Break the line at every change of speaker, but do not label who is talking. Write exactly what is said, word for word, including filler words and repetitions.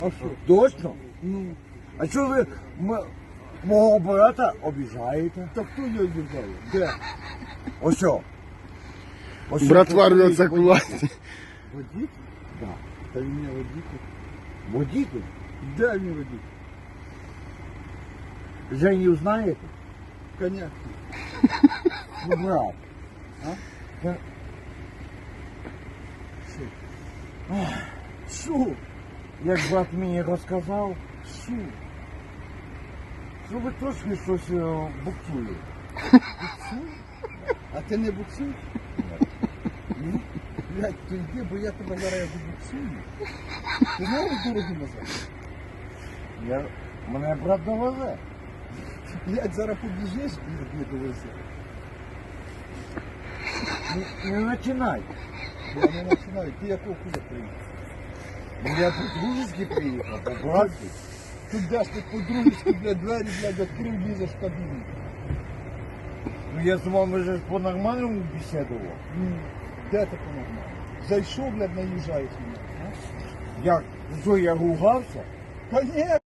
А що?
Точно?
Ну,
А що ви м- мого брата обіжаєте?
так хто його обіжає? Де?
Ось що? Ось
Братва
що
рвется к
водитель.
власти.
Водитель?
Да.
Та він не водитель.
Водитель?
Де він водитель?
Женю знаєте?
Коня.
Ну, брат.
А?
Ка-
Що? Що?
Як брат мені розказав,
Що?
що ви трошки щось е, буксуєте.
Буксуй? А ти не буксуєш? Ну, блядь, то йди, бо я тебе зараз буксую. Ти знаєш дорогу назад?
Я... Мене брат довезе.
Блядь, зараз побіжиш, блядь, не довези.
Не, не починай.
Я не починаю. Ти якого куди приїхав?
Я по-дружески приїхав, по-братськи.
Тут де ж ти по-дружечки, блядь, двері, блядь, відкрив, лізеш в кабіну.
Ну я з вами вже по-нормальному бесідував.
Ну, де ти по-нормально? Зайшов, блядь, наїжджаєш мене.
Як? Що, я ругався?
Та ні,